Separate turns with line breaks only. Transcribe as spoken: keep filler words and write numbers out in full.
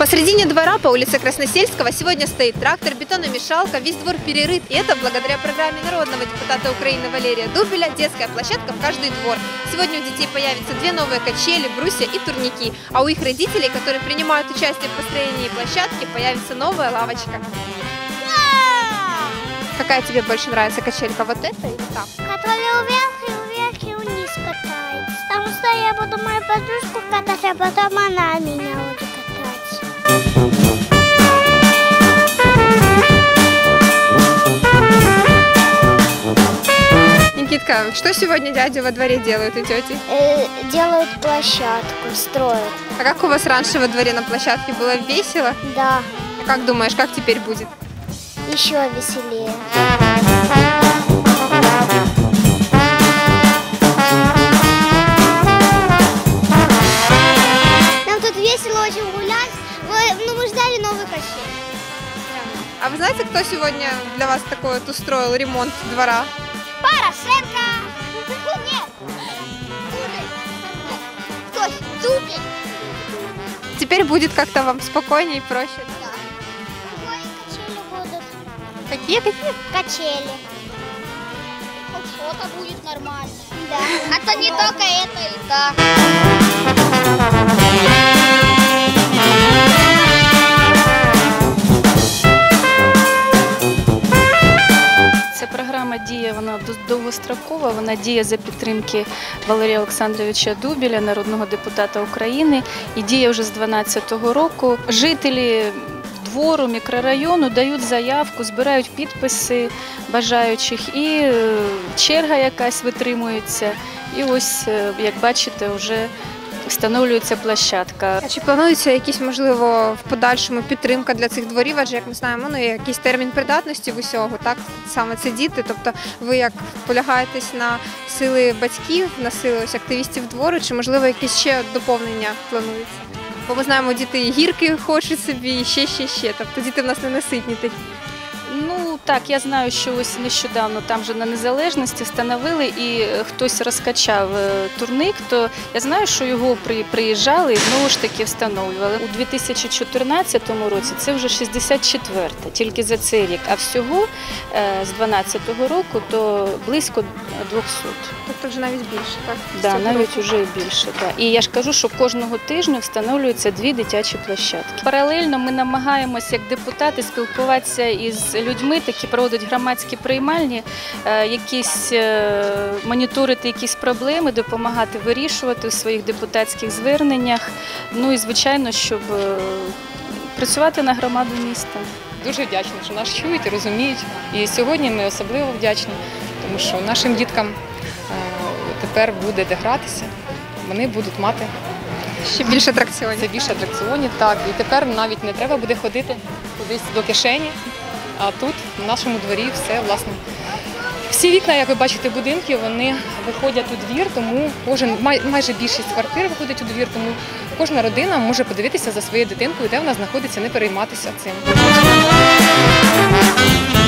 Посредине двора по улице Красносельского сегодня стоит трактор, бетономешалка, весь двор перерыт. И это благодаря программе народного депутата Украины Валерия Дубеля «Детская площадка в каждый двор». Сегодня у детей появятся две новые качели, брусья и турники. А у их родителей, которые принимают участие в построении площадки, появится новая лавочка. Какая тебе больше нравится качелька, вот эта или та?
Которая вверх и вверх и вниз катается. Потому что я буду мою подружку катать, а потом она меня будет катать.
Никитка, что сегодня дяди во дворе делают и тети?
Э, делают площадку, строят.
А как у вас раньше во дворе на площадке было весело?
Да,
А как думаешь, как теперь будет?
еще веселее. Нам тут весело очень гулять. Мы, ну, мы ждали новых качелей.
А вы знаете, кто сегодня для вас такой вот устроил ремонт двора?
Порошенко! Нет! Кто? Дубель!
Теперь будет как-то вам спокойнее и проще.
Да. Качели будут.
Какие какие?
Качели. Хоть что-то будет нормально. Да. А то не только это и так.
Ця програма діє, вона довгострокова, вона діє за підтримки Валерія Олександровича Дубеля, народного депутата України, і діє вже з дві тисячі дванадцятого року. Жителі двору, мікрорайону дають заявку, збирають підписи бажаючих, і черга якась витримується. І ось, як бачите, вже встановлюється площадка.
А чи планується якісь, можливо, в подальшому підтримка для цих дворів? Адже, як ми знаємо, ну, є якийсь термін придатності в усього, так? Саме це діти. Тобто ви як полягаєтесь на сили батьків, на сили ось активістів двору, чи, можливо, якісь ще доповнення плануються? Бо ми знаємо, діти і гірки хочуть собі, і ще, ще, ще. Тобто діти в нас не наситні такі.
Ну так, я знаю, що ось нещодавно там вже на Незалежності встановили і хтось розкачав турник, то я знаю, що його приїжджали і знову ж таки встановлювали. У дві тисячі чотирнадцятому році це вже шістдесят четверта, тільки за цей рік, а всього з дванадцятого року то близько двохсот.
Тобто вже навіть більше, так?
Да, навіть вже більше. Да. І я ж кажу, що кожного тижня встановлюються дві дитячі площадки. Паралельно ми намагаємося як депутати спілкуватися із людьми, такі проводять громадські приймальні, якісь моніторити якісь проблеми, допомагати вирішувати у своїх депутатських зверненнях. Ну і звичайно, щоб працювати на громаду міста.
Дуже вдячні, що нас чують і розуміють. І сьогодні ми особливо вдячні, тому що нашим діткам тепер буде де гратися, вони будуть мати
ще більше атракціонів.
Це більше атракціонів, так. І тепер навіть не треба буде ходити кудись до кишені, а тут, в нашому дворі, все, власне. Всі вікна, як ви бачите, будинки, вони виходять у двір, тому кожен, майже більшість квартир виходить у двір, тому кожна родина може подивитися за своєю дитинкою, де вона знаходиться, не перейматися цим.